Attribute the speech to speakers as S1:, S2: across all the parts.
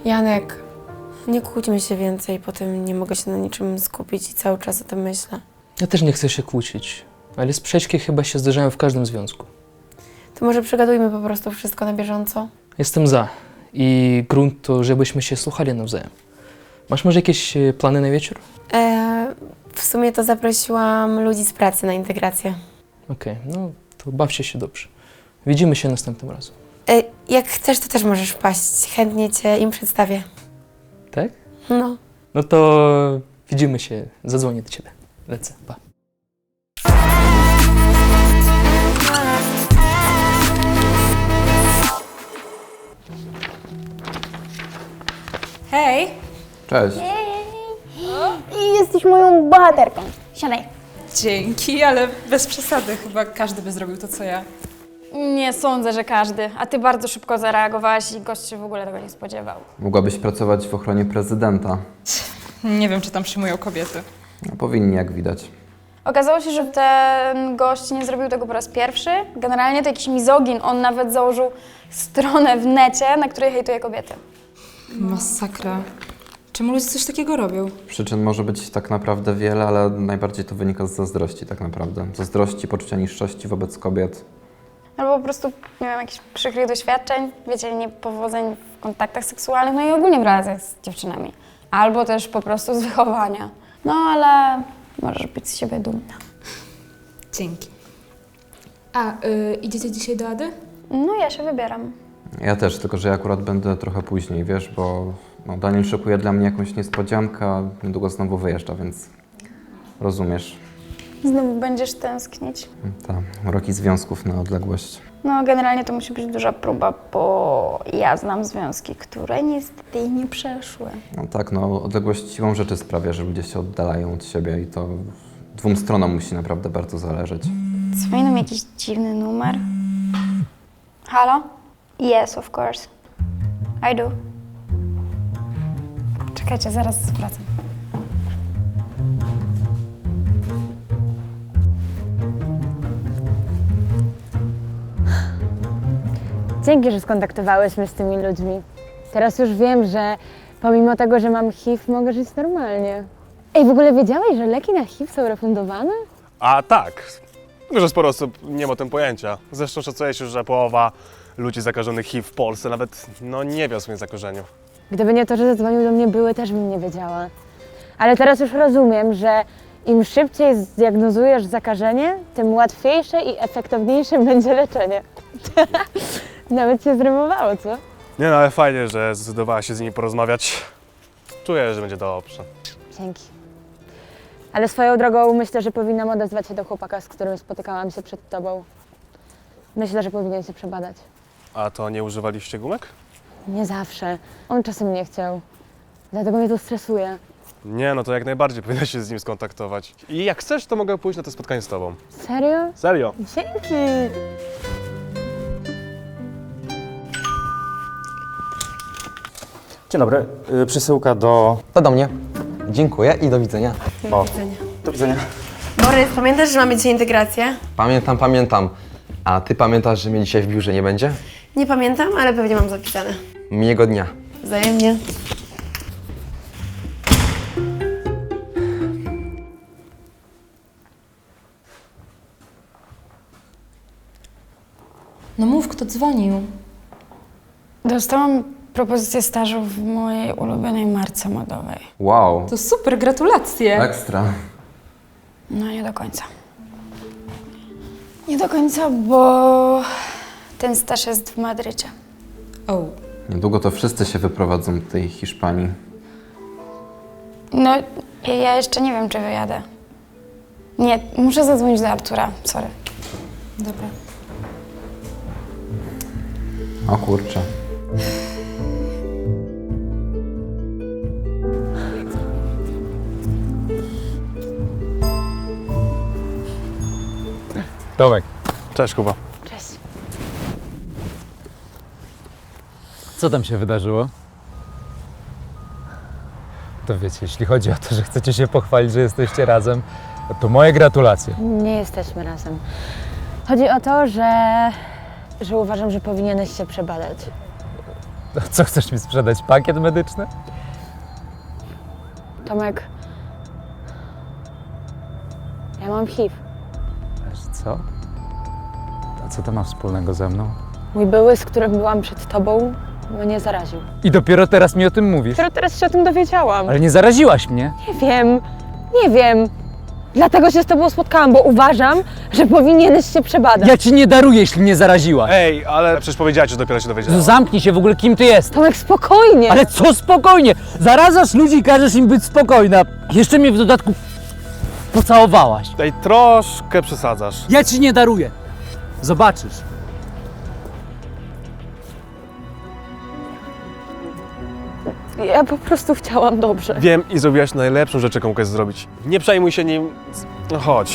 S1: Janek, nie kłóćmy się więcej, potem nie mogę się na niczym skupić i cały czas o tym myślę.
S2: Ja też nie chcę się kłócić, ale sprzeczki chyba się zdarzają w każdym związku.
S1: To może przegadujmy po prostu wszystko na bieżąco?
S2: Jestem za i grunt to, żebyśmy się słuchali nawzajem. Masz może jakieś plany na wieczór?
S1: W sumie to zaprosiłam ludzi z pracy na integrację.
S2: Okej, no to bawcie się dobrze. Widzimy się następnym razem.
S1: Jak chcesz, to też możesz wpaść. Chętnie cię im przedstawię.
S2: Tak?
S1: No.
S2: No to widzimy się, zadzwonię do ciebie. Lecę, pa.
S3: Hej!
S4: Cześć.
S5: I jesteś moją bohaterką. Siadaj.
S3: Dzięki, ale bez przesady. Chyba każdy by zrobił to, co ja.
S5: Nie sądzę, że każdy. A ty bardzo szybko zareagowałaś i gość się w ogóle tego nie spodziewał.
S4: Mogłabyś pracować w ochronie prezydenta.
S3: Nie wiem, czy tam przyjmują kobiety.
S4: No, powinni, jak widać.
S5: Okazało się, że ten gość nie zrobił tego po raz pierwszy. Generalnie to jakiś mizogin. On nawet założył stronę w necie, na której hejtuje kobiety.
S3: Masakra. Czemu ludzie coś takiego robią?
S4: Przyczyn może być tak naprawdę wiele, ale najbardziej to wynika z zazdrości tak naprawdę. Zazdrości, poczucia niższości wobec kobiet.
S5: Albo po prostu, nie wiem, jakichś przykrych doświadczeń, wiecie, niepowodzeń w kontaktach seksualnych, no i ogólnie w relacjach z dziewczynami. Albo też po prostu z wychowania. No ale możesz być z siebie dumna.
S3: Dzięki. A, idziecie dzisiaj do Ady?
S5: No ja się wybieram.
S4: Ja też, tylko że ja akurat będę trochę później, wiesz, bo Daniel szykuje dla mnie jakąś niespodziankę, a niedługo znowu wyjeżdża, więc rozumiesz.
S5: Znowu będziesz tęsknić.
S4: Roki związków na odległość.
S5: No generalnie to musi być duża próba, bo ja znam związki, które niestety nie przeszły.
S4: No tak, odległość siłą rzeczy sprawia, że ludzie się oddalają od siebie i to dwóm stronom musi naprawdę bardzo zależeć.
S5: Dzwoni nam jakiś dziwny numer. Halo? Yes, of course. I do. Czekajcie, zaraz wracam.
S6: Dzięki, że skontaktowałeś mnie z tymi ludźmi. Teraz już wiem, że pomimo tego, że mam HIV, mogę żyć normalnie. Ej, w ogóle wiedziałeś, że leki na HIV są refundowane?
S7: A tak, tylko że sporo osób nie ma o tym pojęcia. Zresztą szacuje się, że połowa ludzi zakażonych HIV w Polsce nawet nie wie o swoim zakażeniu.
S6: Gdyby nie to, że zadzwonił do mnie były, też bym nie wiedziała. Ale teraz już rozumiem, że im szybciej zdiagnozujesz zakażenie, tym łatwiejsze i efektowniejsze będzie leczenie. Nawet się zrymowało, co?
S7: Nie no, ale fajnie, że zdecydowała się z nimi porozmawiać. Czuję, że będzie dobrze.
S6: Dzięki. Ale swoją drogą myślę, że powinnam odezwać się do chłopaka, z którym spotykałam się przed tobą. Myślę, że powinien się przebadać.
S7: A to nie używaliście gumek?
S6: Nie zawsze. On czasem nie chciał. Dlatego mnie to stresuje.
S7: Nie, no to jak najbardziej powinnaś się z nim skontaktować. I jak chcesz, to mogę pójść na to spotkanie z tobą.
S6: Serio?
S7: Serio?
S6: Dzięki!
S8: Dzień dobry, przesyłka do...
S9: To do mnie. Dziękuję i do widzenia.
S8: O, do widzenia.
S1: Borys, pamiętasz, że mamy dzisiaj integrację?
S9: Pamiętam. A ty pamiętasz, że mnie dzisiaj w biurze nie będzie?
S1: Nie pamiętam, ale pewnie mam zapisane.
S9: Miłego dnia.
S1: Wzajemnie.
S3: No mów, kto dzwonił.
S5: Dostałam propozycję stażu w mojej ulubionej marce modowej.
S4: Wow,
S3: To super, gratulacje.
S4: ekstra.
S5: No nie do końca. Nie do końca, bo ten staż jest w Madrycie.
S3: O,
S4: Niedługo to wszyscy się wyprowadzą do tej Hiszpanii.
S5: No, ja jeszcze nie wiem, czy wyjadę. Nie, muszę zadzwonić do Artura, sorry.
S3: dobra.
S4: O kurczę.
S8: Tomek,
S7: Cześć, Kuba.
S6: Cześć.
S8: co tam się wydarzyło? To wiecie, jeśli chodzi o to, że chcecie się pochwalić, że jesteście razem, to moje gratulacje.
S6: Nie jesteśmy razem. Chodzi o to, że uważam, że powinieneś się przebadać.
S8: Co, chcesz mi sprzedać? Pakiet medyczny?
S6: Tomek, ja mam HIV.
S8: Wiesz co? A co to ma wspólnego ze mną?
S6: Mój były, z którym byłam przed tobą, mnie zaraził.
S8: I dopiero teraz mi o tym mówisz?
S6: Dopiero teraz się o tym dowiedziałam.
S8: Ale nie zaraziłaś mnie.
S6: Nie wiem. Dlatego się z tobą spotkałam, bo uważam, że powinieneś się przebadać.
S8: Ja ci nie daruję, jeśli mnie zaraziłaś.
S7: Ej, ale przecież powiedziałeś, że dopiero się dowiedziałem.
S8: Zamknij się w ogóle, kim ty jesteś.
S6: Tomek, spokojnie.
S8: Ale co spokojnie? Zarazasz ludzi i każesz im być spokojna. Jeszcze mnie w dodatku pocałowałaś.
S7: Ej, troszkę przesadzasz.
S8: Ja ci nie daruję. Zobaczysz.
S6: Ja po prostu chciałam dobrze.
S7: Wiem i zrobiłaś najlepszą rzecz, jaką mogłaś zrobić. Nie przejmuj się nim. No chodź.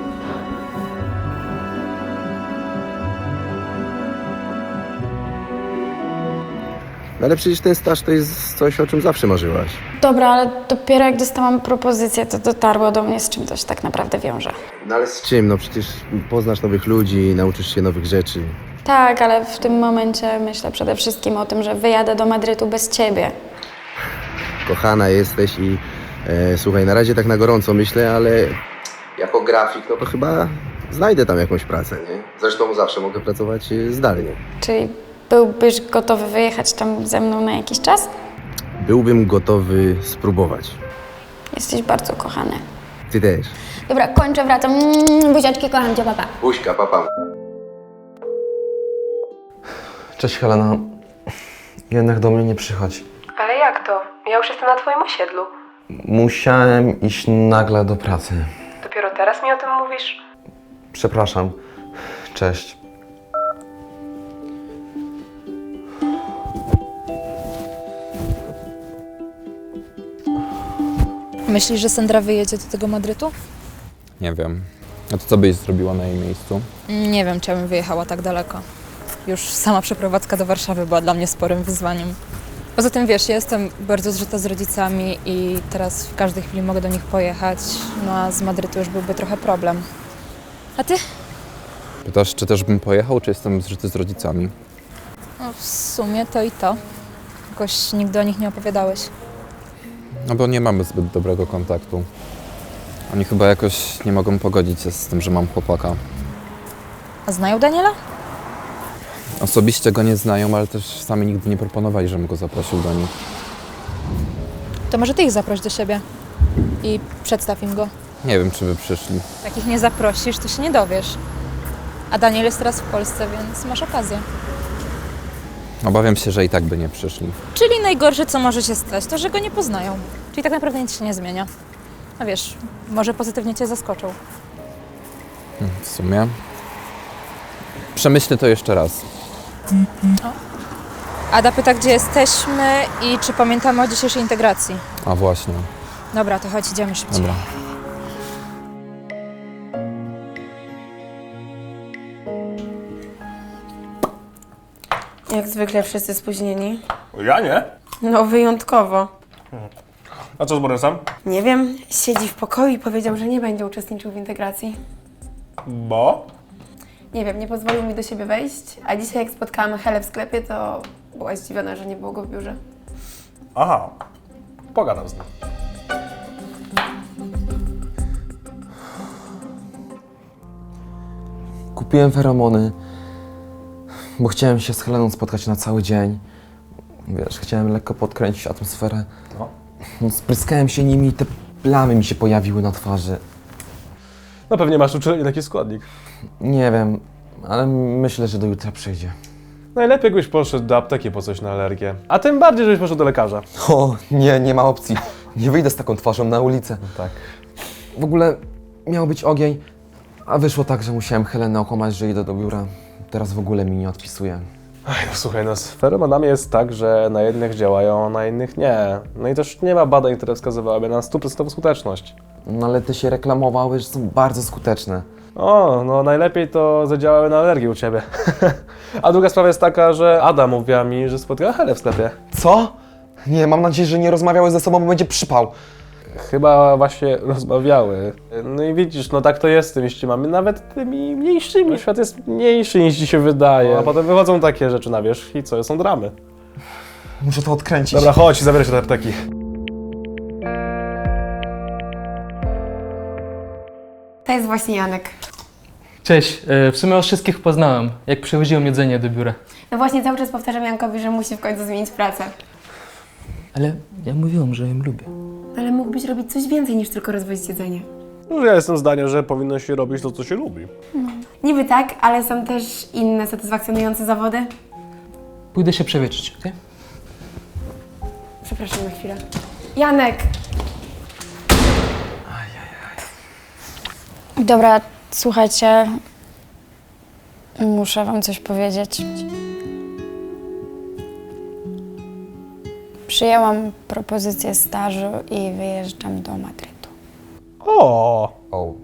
S9: No ale przecież ten staż to jest coś, o czym zawsze marzyłaś.
S5: Dobra, ale dopiero jak dostałam propozycję, to dotarło do mnie, z czym to się tak naprawdę wiąże.
S9: No ale z czym? No przecież poznasz nowych ludzi, nauczysz się nowych rzeczy.
S5: Tak, ale w tym momencie myślę przede wszystkim o tym, że wyjadę do Madrytu bez ciebie.
S9: Kochana jesteś i słuchaj, na razie tak na gorąco myślę, ale jako grafik, no to chyba znajdę tam jakąś pracę, nie? Zresztą zawsze mogę pracować zdalnie.
S5: Czyli byłbyś gotowy wyjechać tam ze mną na jakiś czas?
S9: Byłbym gotowy spróbować.
S5: Jesteś bardzo kochany.
S9: Ty też.
S5: Dobra, kończę, wracam. Buziaczki, kocham cię, papa.
S9: Buźka, papa. Cześć Helena. Jednak do mnie nie przychodź.
S1: Ale jak to? Ja już jestem na twoim osiedlu.
S9: Musiałem iść nagle do pracy.
S1: Dopiero teraz mi o tym mówisz?
S9: Przepraszam. Cześć.
S3: Myślisz, że Sandra wyjedzie do tego Madrytu?
S4: Nie wiem. A to co byś zrobiła na jej miejscu?
S3: Nie wiem, czy ja bym wyjechała tak daleko. Już sama przeprowadzka do Warszawy była dla mnie sporym wyzwaniem. Poza tym, wiesz, ja jestem bardzo zżyta z rodzicami i teraz w każdej chwili mogę do nich pojechać, no a z Madrytu już byłby trochę problem. A ty?
S4: Pytasz, czy też bym pojechał, czy jestem zżyty z rodzicami?
S3: No, w sumie to i to. Jakoś nigdy o nich nie opowiadałeś.
S4: No bo nie mamy zbyt dobrego kontaktu. Oni chyba jakoś nie mogą pogodzić się z tym, że mam chłopaka.
S3: A znają Daniela?
S4: Osobiście go nie znają, ale też sami nigdy nie proponowali, żebym go zaprosił do nich.
S3: To może ty ich zaproś do siebie i przedstaw im go.
S4: Nie wiem, czy by przyszli.
S3: Jak ich nie zaprosisz, to się nie dowiesz. A Daniel jest teraz w Polsce, więc masz okazję.
S4: Obawiam się, że i tak by nie przyszli.
S3: Czyli najgorsze, co może się stać, to że go nie poznają. Czyli tak naprawdę nic się nie zmienia. A wiesz, może pozytywnie cię zaskoczą.
S4: W sumie. Przemyślę to jeszcze raz.
S3: Ada pyta, gdzie jesteśmy i czy pamiętamy o dzisiejszej integracji.
S4: A właśnie.
S3: Dobra, to chodź, idziemy szybciej.
S4: Dobra.
S1: Jak zwykle wszyscy spóźnieni.
S7: Ja nie?
S1: No wyjątkowo.
S7: A co z Borysem?
S1: Nie wiem, siedzi w pokoju i powiedział, że nie będzie uczestniczył w integracji.
S7: Bo?
S1: Nie wiem, nie pozwolił mi do siebie wejść, a dzisiaj jak spotkałam Helę w sklepie, to była zdziwiona, że nie było go w biurze.
S7: Aha. Pogadam z nim.
S9: Kupiłem feromony, bo chciałem się z Heleną spotkać na cały dzień. Wiesz, chciałem lekko podkręcić atmosferę.
S7: No.
S9: Spryskałem się nimi i te plamy mi się pojawiły na twarzy.
S7: No pewnie masz uczulenie taki składnik.
S9: Nie wiem, ale myślę, że do jutra przyjdzie.
S7: Najlepiej jakbyś poszedł do apteki po coś na alergię. A tym bardziej, żebyś poszedł do lekarza.
S9: O, nie ma opcji. Nie wyjdę z taką twarzą na ulicę.
S7: Tak.
S9: W ogóle miał być ogień, a wyszło tak, że musiałem Helenę okłamać, że idę do biura. Teraz w ogóle mi nie odpisuje.
S7: Ej, no słuchaj, no z feromonami jest tak, że na jednych działają, a na innych nie. No i też nie ma badań, które wskazywałyby na 100% skuteczność.
S9: No ale te się reklamowały, że są bardzo skuteczne.
S7: O, no najlepiej to zadziałały na alergię u ciebie. A druga sprawa jest taka, że Ada mówiła mi, że spotkała Helę w sklepie.
S9: Co? Nie, mam nadzieję, że nie rozmawiały ze sobą, bo będzie przypał.
S7: Chyba właśnie rozmawiały. No i widzisz, no tak to jest z tymi ściemami, nawet tymi mniejszymi. Świat jest mniejszy niż ci się wydaje. A potem wychodzą takie rzeczy na wierzch i co, są dramy.
S10: Muszę to odkręcić.
S7: Dobra, chodź, zabieraj się do apteki.
S1: To jest właśnie Janek.
S2: Cześć, w sumie os wszystkich poznałem, jak przywoziłem jedzenie do biura.
S1: No właśnie cały czas powtarzam Jankowi, że musi w końcu zmienić pracę.
S2: Ale ja mówiłem, że ją lubię.
S1: Ale mógłbyś robić coś więcej niż tylko rozwozić jedzenie.
S7: No, ja jestem zdania, że powinno się robić to, co się lubi.
S1: Niby tak, ale są też inne satysfakcjonujące zawody.
S2: Pójdę się przewietrzyć, okej?
S1: Przepraszam na chwilę. Janek!
S5: Dobra, słuchajcie, muszę wam coś powiedzieć. Przyjęłam propozycję stażu i wyjeżdżam do Madrytu.
S7: O!
S4: O,